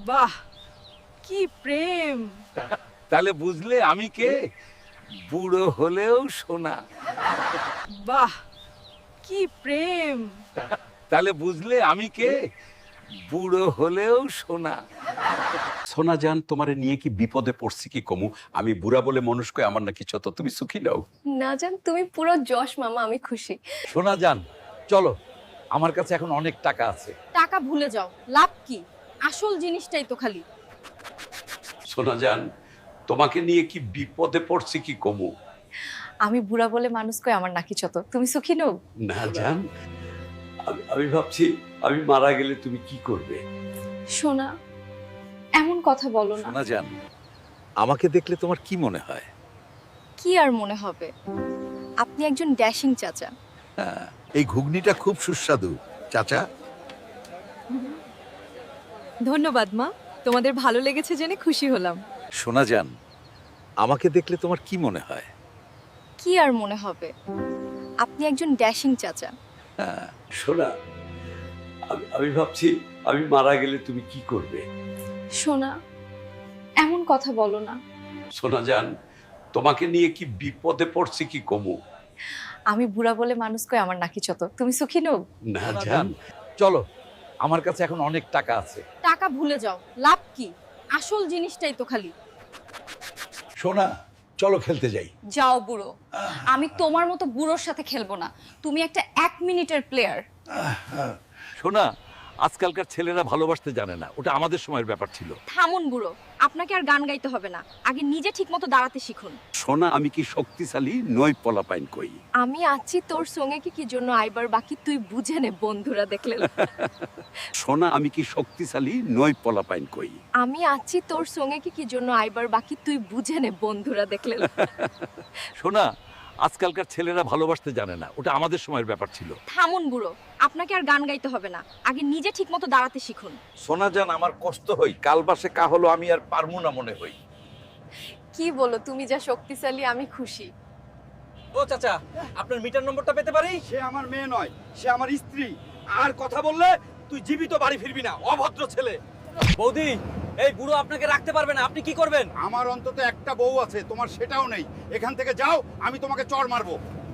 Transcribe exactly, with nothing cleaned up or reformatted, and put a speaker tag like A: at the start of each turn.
A: বাহ, কি প্রেম!
B: তাহলে বুঝলে আমি কে? বুড়ো হলেও সোনা।
A: বাহ, কি প্রেম!
B: তাহলে বুঝলে আমি কে? বুড়ো হলেও সোনা।
C: সোনা জান, তোমারে নিয়ে কি বিপদে পড়ছি কি কমু? আমি বুড়া বলে মানুষ কই, আমার নাকি ছত, তুমি সুখী নাও।
D: না জান, তুমি পুরো যশ মামা, আমি খুশি।
B: সোনা জান, চলো, আমার কাছে এখন অনেক টাকা আছে।
D: টাকা ভুলে যাও, লাভ কি? আসল জিনিসটাই তো খালি।
C: সোনা জান, তোমাকে নিয়ে কি বিপদে পড়ছি কি কমু?
D: আমি বুড়া বলে মানুষ কই, আমার নাকি ছত, তুমি সুখী নও?
C: না জান, আমি আমি ভাবছি আমি মারা গেলে তুমি কি করবে?
D: সোনা, এমন কথা বলো না।
B: সোনা জান, আমাকে দেখলে তোমার কি মনে হয়?
D: কি আর মনে হবে, আপনি একজন ড্যাশিং চাচা।
E: এই ঘুগনিটা খুব সুস্বাদু চাচা।
A: ধন্যবাদ মা, তোমাদের ভালো লেগেছে জেনে খুশি হলাম।
B: সোনা জান, আমাকে দেখলে তোমার কি মনে হয়?
D: কি আর মনে হবে, আপনি একজন ড্যাশিং চাচা।
C: সোনা, আমি আমি ভাবছি আমি মারা গেলে তুমি কি করবে?
D: সোনা, এমন কথা বলো না।
C: সোনা জান, তোমাকে নিয়ে কি বিপদে পড়ছি কি কমু?
D: আমি বুড়া বলে মানুষ কই, আমার নাকি ছত, তুমি সুখী নও?
C: না
B: সোনা
C: জান,
B: জান, চলো, আমার কাছে এখন অনেক টাকা আছে।
D: টাকা ভুলে যাও, লাভ কি? আসল জিনিসটাই তো খালি।
E: সোনা, চলো খেলতে যাই।
D: যাও বুড়ো, আমি তোমার মতো বুড়োর সাথে খেলবো না। তুমি একটা এক মিনিটের প্লেয়ার।
B: সোনা, আজকালকার ছেলেরা ভালোবাসতে জানে না, ওটা আমাদের সময়ের ব্যাপার ছিল।
D: থামুন বুড়ো, আপনাকে আর গান গাইতে হবে না, আগে নিজে ঠিকমতো দাঁড়াতে শিখুন।
C: সোনা, আমি কি শক্তিশালী নই পলাপাইন কই?
D: আমি আছি তোর সঙ্গে, কি কি জন্য আইবার বাকি তুই বুঝে নে, বন্ধুরা দেখলে।
C: সোনা, আমি কি শক্তিশালী নই পলাপাইন কই?
D: আমি আছি তোর সঙ্গে, কি কি জন্য আইবার বাকি তুই বুঝে নে, বন্ধুরা দেখলে।
B: সোনা, আজকালকার ছেলেরা ভালোবাসতে জানে না, ওটা আমাদের সময়ের ব্যাপার ছিল।
D: থামুন বুড়ো, আপনাকে আর গান গাইতে হবে না, আগে নিজে ঠিকমতো দাঁড়াতে শিখুন।
B: সোনা জান, আমার কষ্ট হই, কাল বাসে কা হলো আমি আর পারমু না মনে হই।
D: কি বলো, তুমি যা শক্তিশালী, আমি খুশি।
F: ও চাচা, আপনার মিটার নম্বরটা পেতে পারি?
G: সে আমার মেয়ে নয়, সে আমার স্ত্রী। আর কথা বললে তুই জীবিত বাড়ি ফিরবি না, অভদ্র ছেলে।
F: বৌদি, এই বুড়ো আপনাকে রাখতে পারবে না, আপনি কি করবেন?
G: আমার অন্তত একটা বউ আছে, তোমার সেটাও নেই। এখান থেকে যাও, আমি তোমাকে চড় মারবো।